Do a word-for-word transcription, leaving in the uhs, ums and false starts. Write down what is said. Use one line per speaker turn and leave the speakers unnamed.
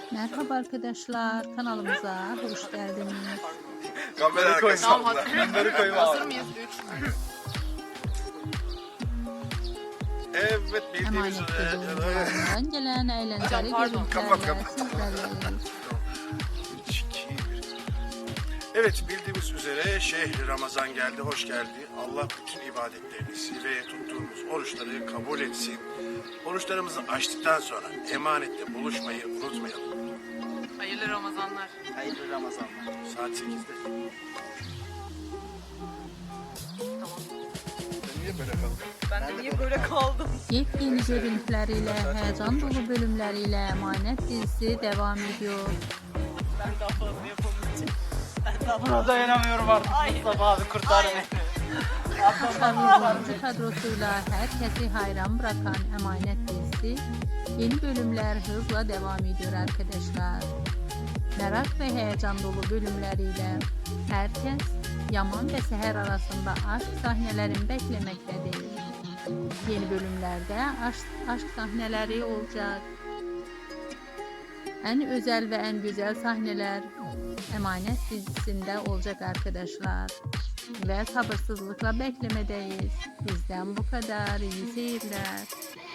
Merhaba arkadaşlar, kanalımıza hoş geldiniz.
Kamera arkasında.
Bunları koyma. Hazır mıyız? üç.
Evet, bildiğiniz
Emanet
üzere.
videolarından gelen eğlenceli
Hocam, pardon.
Kapat,
görüntülerle
kapat.
sizlerleyiz.
Evet, bildiğimiz üzere şehri Ramazan geldi, hoş geldi. Allah bütün ibadetlerimizi ve tuttuğumuz oruçları kabul etsin. Oruçlarımızı açtıktan sonra emanette buluşmayı unutmayalım.
Hayırlı Ramazanlar.
Hayırlı Ramazanlar.
Saat sekizde. Sen niye böyle kaldın?
Ben de niye böyle kaldım?
Yepyeni görüntüleriyle, heyecan dolu bölümleriyle Emanet dizisi devam ediyor.
Ben daha fazla yapamayacağım. Ben daha
Buna dayanamıyorum artık. Mustafa abi kurtar beni.
Başarılı oyuncu kadrosuyla herkesi hayran bırakan Emanet dizisi yeni bölümler hızla devam ediyor arkadaşlar. Merak ve heyecan dolu bölümleriyle herkes Yaman ve Seher arasında aşk sahnelerini beklemektedir. Yeni bölümlerde aşk, aşk sahneleri olacak. En özel ve en güzel sahneler Emanet dizisinde olacak arkadaşlar. Ve sabırsızlıkla beklemedeyiz. Bizden bu kadar. İyi seyirler.